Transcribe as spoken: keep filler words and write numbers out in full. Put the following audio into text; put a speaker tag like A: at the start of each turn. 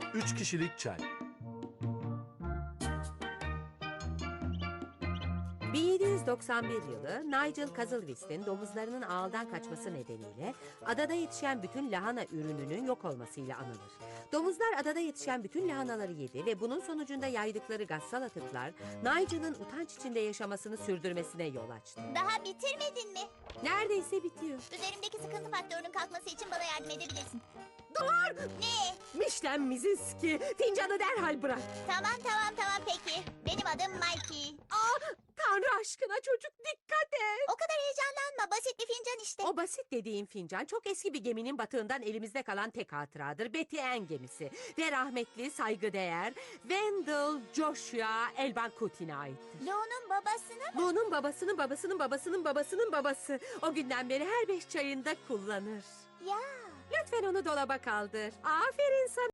A: Üç kişilik çay.
B: bin yedi yüz doksan bir yılı Nigel Cazalwist'in domuzlarının ağıldan kaçması nedeniyle adada yetişen bütün lahana ürününün yok olmasıyla anılır. Domuzlar adada yetişen bütün lahanaları yedi ve bunun sonucunda yaydıkları gazsal atıklar Nigel'ın utanç içinde yaşamasını sürdürmesine yol açtı.
C: Daha bitirmedin mi?
B: Neredeyse bitiyor.
C: Üzerimdeki sıkıntı faktörünün kalkması için bana yardım edebilirsin.
B: Dur!
C: Ne?
B: Mişlen Mizinski, fincanı derhal bırak.
C: Tamam tamam tamam peki. Benim adım Mikey.
B: Aa, Tanrı aşkına çocuk dikkat et.
C: O kadar heyecanlanma. Basit bir fincan işte.
B: O basit dediğim fincan çok eski bir geminin batığından elimizde kalan tek hatıradır. Betty Ann gemisi. Ve rahmetli saygıdeğer Wendell Joshua Elbankutin'e aittir.
C: Lo'nun babasını mı?
B: Bunun babasının babasının babasının babasının babası. O günden beri her beş çayında kullanır.
C: Ya.
B: Lütfen onu dolaba kaldır. Aferin sana.